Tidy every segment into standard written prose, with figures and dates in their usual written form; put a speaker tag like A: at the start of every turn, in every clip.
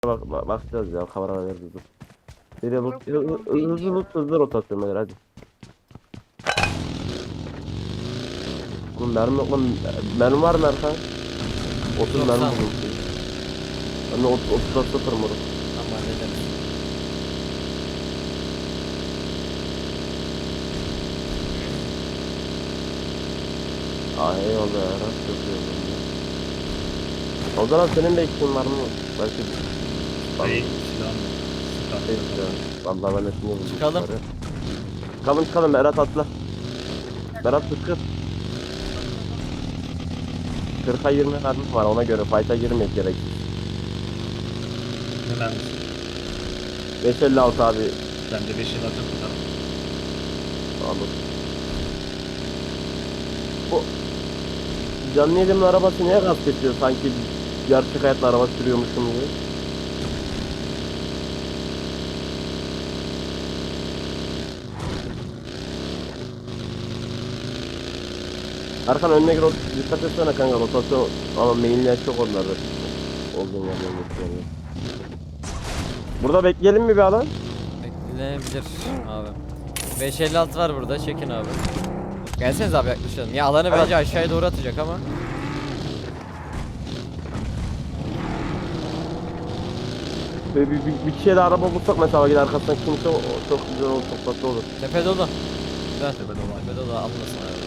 A: Bakacağız ya, kamera veririz. Dur. Bir de
B: Yok, yok,
A: hızlı rotasyon ver hadi. Oğlum mermi yok lan. Mermi var mı Erkan? 30 mermi
C: 90.
A: buldum. Ben de 30'da sıfır moruk.
C: Tamam hallederiz.
A: Eyvallah ya, rast yapıyorum ya. O zaman senin de eksiğin var mı? Belki
D: Hey, silahım yok. Sıkar.
A: Vallahi ben de şimdi buldum.
C: Çıkalım.
A: Çıkalım Berat atla. Berat sıkır. 40'a 20 mermi var, ona göre fight'a girmek gerek.
D: Ne mermisi?
A: 556 abi.
D: Ben de 5 yıl atım tutarım.
A: Anladım. Bu canlı yayının arabası niye gaz kesiyor, sanki gerçek hayatta araba sürüyormuşum gibi. Arkan önüne gir, dikkat etsene kanka, rotasyon ama mainler çok onlarda. Olduğun yerden geçiyor. Burada bekleyelim mi bir alan?
C: Beklenebilir abi. 556 var burada, çekin abi. Gelseniz abi, yaklaşalım. Ya alanı bence aşağıya doğru atacak ama.
A: Bir kişiye de araba bulsak mesela, gider arkasından kimse, o çok güzel olur, çok tatlı olur.
C: Tepe dolu. Güzel.
D: Tepe dolu.
C: Tepe dolu, almasın abi.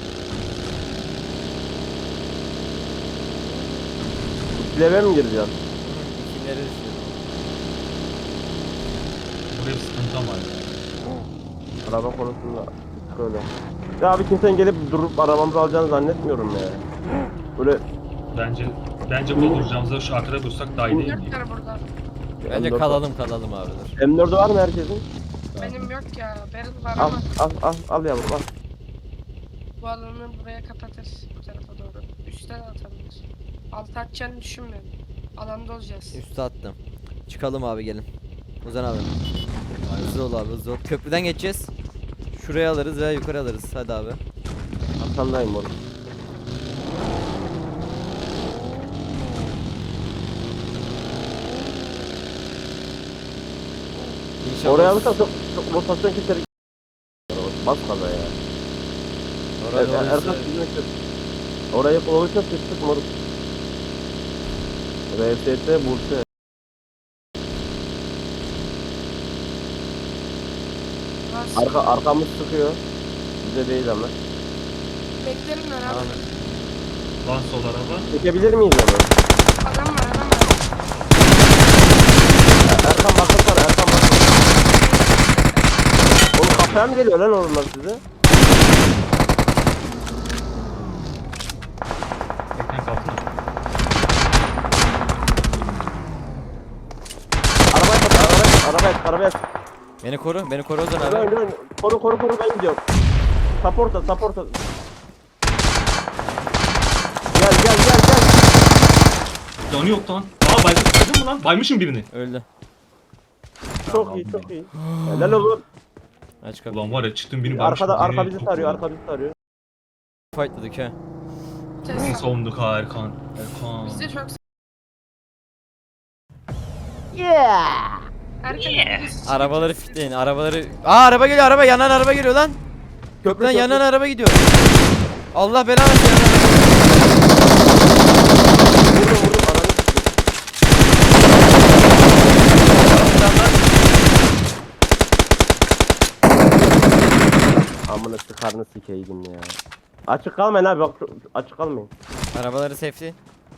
A: İkileme mi gireceğiz?
C: İkileri düşünüyorum.
D: Buraya bir sıkıntı ama ya.
A: Araba konusunda böyle. Ya abi, kimsenin gelip durup arabamızı alacağını zannetmiyorum ya. Böyle
D: Bence burada duracağımızda şu arkada dursak daha iyi değil mi?
B: Yoklar burada.
C: Bence
A: M4
C: kalalım abi dur.
A: M4'ü var mı herkesin?
B: Benim yok ya. Benim var
A: Al
B: ama
A: al yavrum al.
B: bu alanı buraya kapatır. Bu tarafa doğru. Üstten atabilir. Alt atacağını düşünmüyorum. Alanda olacağız.
C: Üste attım. Çıkalım abi, gelin. Ozan abi. Hızlı ol abi, hızlı ol. Köprüden geçeceğiz. Şuraya alırız veya yukarı alırız. Hadi abi.
A: Arkandayım oğlum.
C: İnşallah.
A: Oraya alırsan çok rotasyon keserek. Bas kaza ya.
C: Orada
A: Erkan
C: olursa-
A: sizin için. Orayı olursa sıçtık moruk. RST Bursa. Arkamız sıkıyor. Bize değil ama.
B: Beklerim ben abi.
C: Abi.
D: Lan sol araba.
A: Çekebilir miyiz onu?
B: Adam var adam var.
A: Erkan bakın sana, Erkan bakın. Oğlum kafaya mı geliyor lan onlar size?
D: Ekran kalktı.
A: Arabaya.
C: Beni koru Ozan abi.
A: Dön. Koru ben gidiyorum. Support'a. Gel.
D: Canı yok lan. Aa baydın mı lan? Baymışım birini.
C: Öldü.
A: Çok iyi. Helal oğlum.
C: Aç kapıyı.
D: Ulan var ya çıktım birini baymışım.
A: Arka bizi sarıyor.
C: Fightladık he.
D: Nasıl savunduk ha Erkan?
B: Biz de çok
A: Yeah.
B: erken
C: Arabaları fitleyin, arabaları. Araba geliyor, yanan araba geliyor lan. Köprüden yanan araba gidiyor. Allah belanı versin, yanan araba.
A: Vurdum. Amına sıkarını sikeydim ya. Açık kalmayın abi, bak açık kalmayın.
C: Arabaları safety.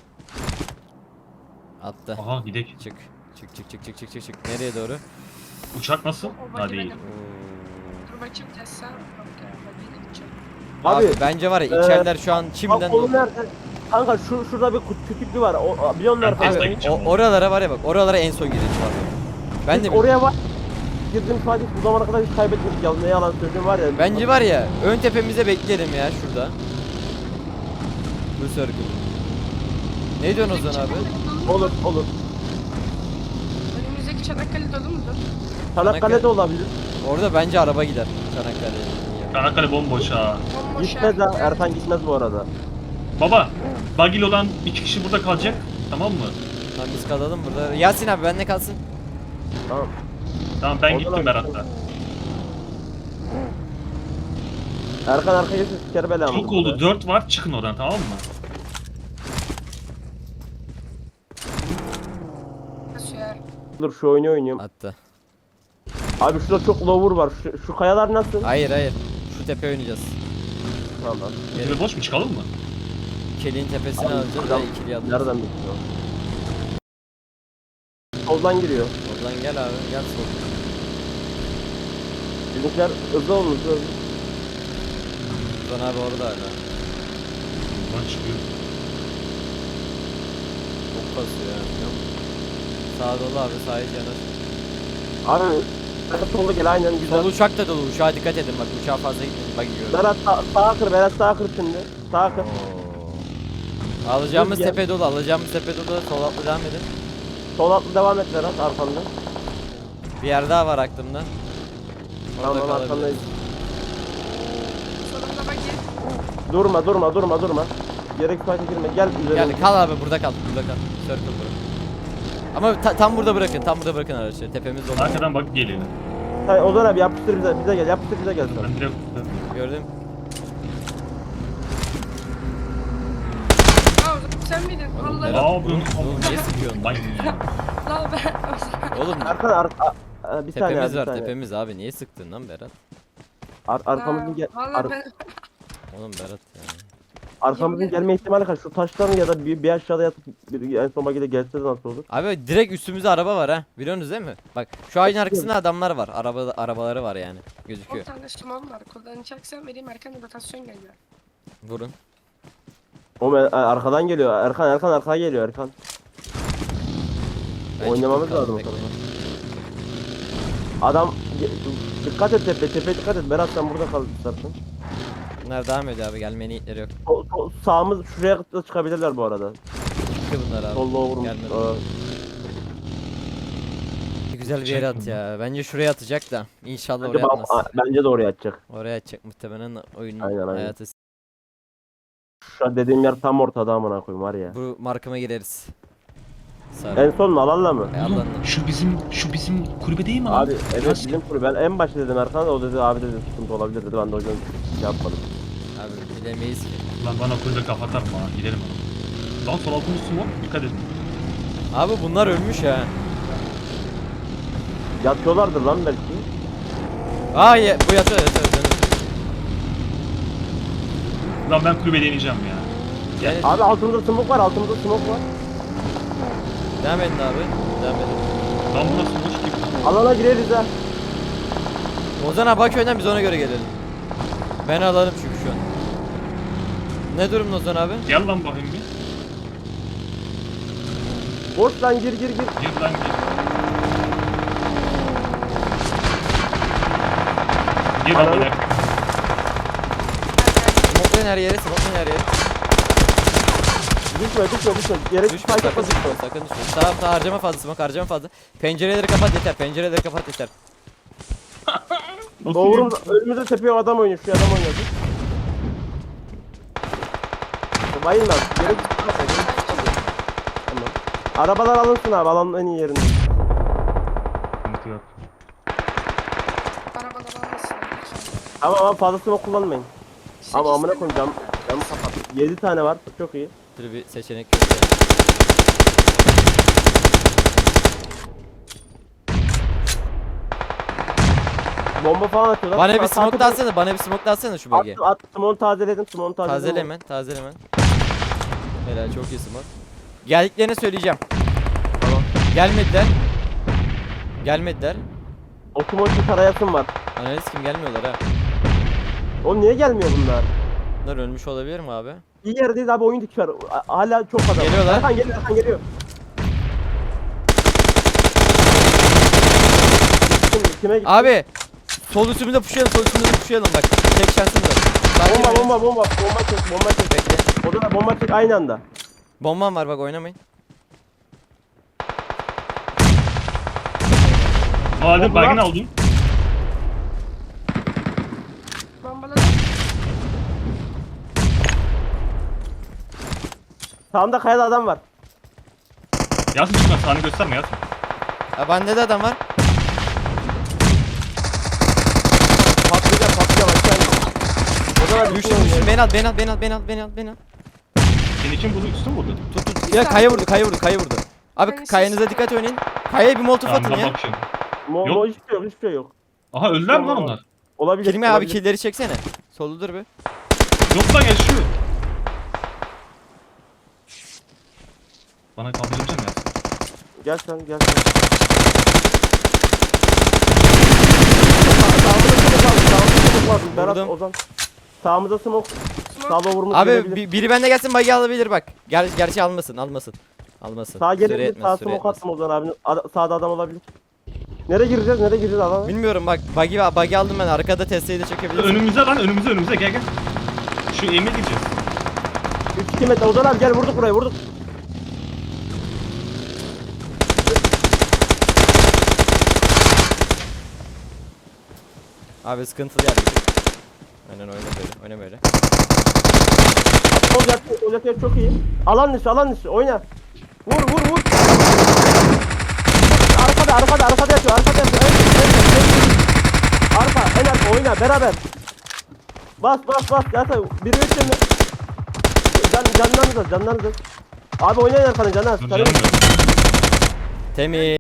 C: Attı.
D: Aha gidek.
C: Çık. Nereye doğru?
D: Uçak nasıl?
B: O
D: Ha değil.
B: benim. Dur bakayım Tesla. Yok ya ben yine gideceğim.
C: Abi,
A: Abi,
C: bence var ya içeriler şu an şimdiden
A: bak konu
C: doldu.
A: nerede? Kanka şurada bir küçüklü var. O biliyorsun
D: Ben
A: nerede?
D: Tesla
C: Abi
D: gideceğim.
C: oralara var ya, bak oralara en son gireceğim abi. Ben de
A: Oraya var. Girdiğim sadece bu zamana kadar hiç kaybetmedik ya. Ne yalan söyleyeyim var ya.
C: Bence var ya ön tepemize bekleyelim ya şurada. Bu circle. Ne diyorsun Ozan abi?
A: Olur.
B: Önümüzdeki Çanakkale dolu mudur?
A: Çanakkale'de olabilir.
C: Orada bence araba gider Çanakkale'ye.
D: Çanakkale bomboş ha.
B: Bomboş
A: Gitmez
B: yer.
A: ha. Erkan gitmez bu arada.
D: Baba, bagil olan 2 kişi burada kalacak. Tamam mı?
C: Lan biz kalalım burada. Yasin abi benle kalsın.
A: Tamam.
D: Tamam ben
A: Oradan
D: gittim
A: abi.
D: Berat'la.
A: Erkan arkaya geçsin siker belamı.
D: Çok oldu 4 var çıkın oradan tamam mı?
B: Nasıl ya?
A: Dur şu oyunu oynayayım.
C: Attı.
A: Abi şurada çok lower var. Şu kayalar nasıl?
C: Hayır hayır. Şu tepe oynayacağız.
A: Tamam.
D: Tepe boş mu çıkalım mı?
C: Kelin tepesini
A: Abi,
C: alacağız
A: adam-
C: ve ikili alacağız.
A: Nereden bitiyor? Soldan giriyor.
C: Oradan gel abi gel sol.
A: Bizimkiler hızlı olmuş. Hızlı.
C: Buradan abi orada hala.
D: Buradan çıkıyor.
C: Çok kasıyor ya. biliyor musun? Sağa dolu abi sağa hiç yanaş.
A: Abi solda gel aynen güzel.
C: Sol uçak da dolu uçağa dikkat edin bak uçağa fazla gitmeyin bak yiyorum.
A: Berat sağa kır, Berat sağa kır şimdi. Sağa kır.
C: Alacağımız
A: Dur, gel.
C: tepe dolu alacağımız tepe dolu sol atlı devam edin.
A: Sol atlı devam et Berat arkanda.
C: Bir yer daha var aklımda. Orada
A: Tamam
C: kalabiliriz.
A: arkandayız.
B: Sonunda bak gel.
A: Durma. Gerek fayda girme. Gel üzerine.
C: Gel kal abi burada kal burada kal. Circle bırak. Ama tam burada bırakın araçları tepemiz dolu.
D: Arkadan bak geliyor.
A: Hayır Ozan abi yapıştır bize gel. Yapıştır bize gel sen.
D: Ben direkt
C: Gördüm.
B: Aa sen miydin?
C: Oğlum,
B: Allah.
C: Berat.
D: ne yapıyorsun?
C: Oğlum, niye sıkıyorsun?
D: Lan
B: Lan ben.
C: Oğlum
A: Erkan bir saniye
C: tepemiz
A: bir
C: var
A: saniye.
C: tepemiz abi niye sıktın lan Berat?
A: Arkamızın
B: Valla ben.
C: Oğlum Berat ya.
A: arkamızın
B: Yemin
A: gelme ihtimali kaç? Şu taşların ya da bir aşağıda yatıp en son bagide gelse nasıl olur?
C: Abi direkt üstümüzde araba var ha. Biliyorsunuz değil mi? Bak şu ağacın arkasında adamlar var. Arabaları var yani.
B: 10
C: Gözüküyor.
B: tane şimon var. Kullanacaksan vereyim Erkan'da rotasyon geliyor.
C: Vurun.
A: Arkadan geliyor. Erkan arkaya geliyor Erkan.
C: Ben
A: Oynamamız
C: çıktım,
A: lazım o
C: kaldım,
A: tarafa.
C: bekleyin.
A: Adam dikkat et tepeye dikkat et. Berat sen burada kal istersen.
C: Bunlar devam ediyor abi gelme niyetleri yok.
A: Sağımız şuraya da çıkabilirler bu arada.
C: Çıktı bunlar abi.
A: Solda vurmuş.
C: Gelmedi.
A: Aa,
C: Güzel bir
D: Çek
C: yere at
D: bunu.
C: ya. Bence şuraya atacak da. İnşallah
A: bence,
C: oraya atmaz.
A: bence de oraya atacak.
C: Oraya atacak muhtemelen oyunun
A: Aynen.
C: hayatı.
A: Şu an dediğim yer tam ortada amına koyayım var ya.
C: Bu markama gireriz. Sarı.
A: En son alanla mı?
C: Allah'ın.
D: oğlum şu bizim kulübe değil mi lan?
A: Abi evet
D: Nasıl?
A: bizim kuru. Ben en başta dedim Erkan'a da o dedi abi dedi sıkıntı olabilir dedi. Ben de o yüzden şey yapmadım.
C: Abi bilemeyiz ki.
D: Lan bana kulübe kafa atarım ha giderim ona. Lan sol altın üstü var dikkat edin.
C: Abi bunlar ölmüş ha.
A: Yatıyorlardır lan belki.
C: Aa bu yatıyor.
D: Lan ben kulübe deneyeceğim ya.
C: Gel.
A: Abi altımızda smoke var
C: Devam edin abi. Devam edin.
D: Lan bu nasıl boş gibi.
A: Alana gireriz ha.
C: Ozan abi bak önden biz ona göre gelelim. Ben alalım çünkü şu an. Ne durumda Ozan abi?
D: Gel lan bakayım bir.
A: Boş lan gir.
D: Gir lan gir. Gir lan
A: Ananı-
D: bana.
C: Smoklayın her yere, smoklayın her yere.
A: Düşme. Yere
C: Düşme,
A: spike
C: sakın
A: atma
C: düşme,
A: düşme.
C: sakın düşme. Sağ harcama fazla, smoke harcama fazla. Pencereleri kapat yeter.
D: Nasıl
A: Doğru
D: gir?
A: önümüzde tepeye adam oynuyor. Şu adam oynuyor. Bayılma. Geri çıkma. Tamam. Arabalar alınsın abi. Alanın en iyi yerinde.
D: Sıkıntı yok.
B: Arabalar almasın.
A: Ama fazla smoke kullanmayın. Ama amına koyayım camı kapat. 7 tane var. Çok iyi.
C: Şöyle bir seçenek yok.
A: Bomba falan atıyorlar.
C: Bana bir
A: Sağ-
C: smoke
A: sağ-
C: da atsana, bana bir smoke da atsana şu bölgeye.
A: At smoke'u tazeledim.
C: Tazele hemen. Helal çok iyi smoke. Geldiklerini söyleyeceğim.
A: Tamam.
C: Gelmediler.
A: O smoke'u tarayasım var.
C: Analiz kim gelmiyorlar ha.
A: Oğlum niye gelmiyor bunlar?
C: Bunlar ölmüş olabilir mi abi?
A: İyi yerdeyiz abi oyun dikiyor. Hala çok adam.
C: Geliyorlar.
A: Erkan geliyor. Kime gitti?
C: Abi sol üstümüzde pushlayalım bak. Tek şansımız var. Sakin oynayın.
A: Bomba çek.
C: Bekle.
A: O da bomba çek aynı anda.
C: Bombam var bak oynamayın.
D: Hadi
A: Bomba.
D: baygın aldım.
B: Bombaladım.
A: Sağımda kayada adam var.
D: Yasin çıkma sağını gösterme Yasin.
C: Ha bende de adam var.
A: Patlayacak aşağı in. O zaman
C: Düştüm düştüm. Beni al beni al beni al beni al beni al beni al.
D: Seni kim vurdu? Üstü mü vurdu?
C: Tut tut. Ya kaya vurdu kaya vurdu kaya vurdu. Abi
B: Ben
C: kayanıza
B: siz-
C: dikkat oynayın. Kayaya bir molotof
D: Tamam
C: atın
D: ben
C: ya.
D: bakıyorum.
A: Mo
D: Yok.
A: hiçbir şey yok, hiçbir şey yok.
D: Aha öldüler mi lan onlar?
A: Olabilir.
C: Kilime abi
A: olabilir.
C: killeri çeksene. Solu dur bir.
D: Yok lan yaşıyor. Bana kaldırabilecek misin Yasin?
A: Gel sen, gel sen. Sağımıza smoke lazım. Berat,
C: Vurdum.
A: Ozan. Sağımıza smoke. Sağda vurmuş
C: Abi
A: gelebilir.
C: biri bende gelsin bagi alabilir bak. Gerçi almasın almasın. Almasın.
A: Sağa
C: Süre
A: gelebilir.
C: yetmez,
A: Sağ
C: süre
A: smoke
C: yetmez.
A: attım Ozan abinin. Sağda adam olabilir. Nereye gireceğiz? Nereye gireceğiz alana?
C: Bilmiyorum bak bagi aldım ben arkada testeyi de çekebilirsin.
D: Önümüze lan önümüze gel gel. Şu Emir gideceğiz.
A: 3-2 metre. Ozan abi gel vurduk burayı vurduk.
C: Abi sıkıntılı yer. Aynen oyna böyle oyna böyle.
A: Sol yakıyor çok iyi. Alan dışı oyna. Vur. Arkada yatıyor. Arka en arka oyna beraber. Bas zaten biri üç mi? Canlarınız az. Abi oynayın arkanı canlar.
D: Dur canım yok.
C: Temiz.